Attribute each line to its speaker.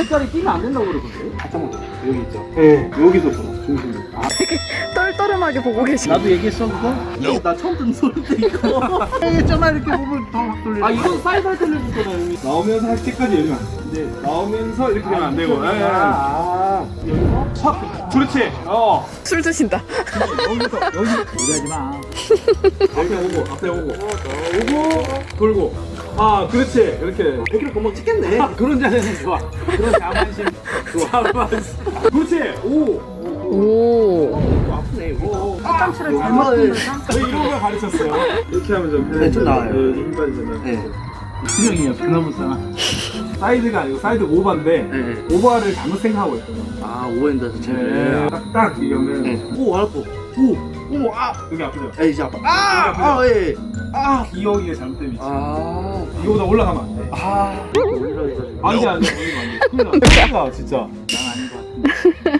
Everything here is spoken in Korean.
Speaker 1: 뒷다리 끼면 안 된다고 그러던데. 살짝만 더. 여기 있죠. 네. 여기서 불어. 중심이. 아,
Speaker 2: 떨떠름하게 보고 계시네.
Speaker 1: 나도 얘기했어 그거? 나 처음 듣는 소리인데 이거. 했잖아 이렇게 보면 더막 돌리는. 아 이건 살살 돌려주잖아 여기.
Speaker 3: 나오면서 할 때까지 열면 안 돼. 근데 나오면서 이렇게 되면 안 되고.
Speaker 1: 여기서
Speaker 3: 확. 그렇지.
Speaker 2: 술 드신다.
Speaker 3: 여기서
Speaker 1: 무리하지 마.
Speaker 3: 앞에 오고 오고 돌고. 아, 그렇지. 이렇게.
Speaker 1: 100kg 금방 찍겠네. 그런 자세는 좋아. 그런 자만심 좋아.
Speaker 3: 그렇지. 오.
Speaker 2: 오.
Speaker 1: 아프네 이거.
Speaker 3: 화장실을
Speaker 1: 잘못 뜯는
Speaker 3: 저희 이런 걸 가르쳤어요. 이렇게 하면 좀
Speaker 1: 네, 좀 나아요.
Speaker 3: 힘 빠지잖아요.
Speaker 1: 네.
Speaker 3: 수명이에요. 그나무잖아. 사이드가 아니고 사이드 오버인데
Speaker 1: 네.
Speaker 3: 오버를 잘못 생각하고 있거든요.
Speaker 1: 아 오해한다 진짜.
Speaker 3: 딱 이러면
Speaker 1: 네. 오 알았고.
Speaker 3: 오. 어머, 여기 아프죠?
Speaker 1: 에이 이제 아파. 예.
Speaker 3: 기억이 잘못된 위치.
Speaker 1: 아.
Speaker 3: 이거보다 올라가면 안 돼.
Speaker 1: 아. 올라가서.
Speaker 3: 안 돼. 올리면 안 돼. 큰일 나. 진짜.
Speaker 1: 난 아닌 것 같은데.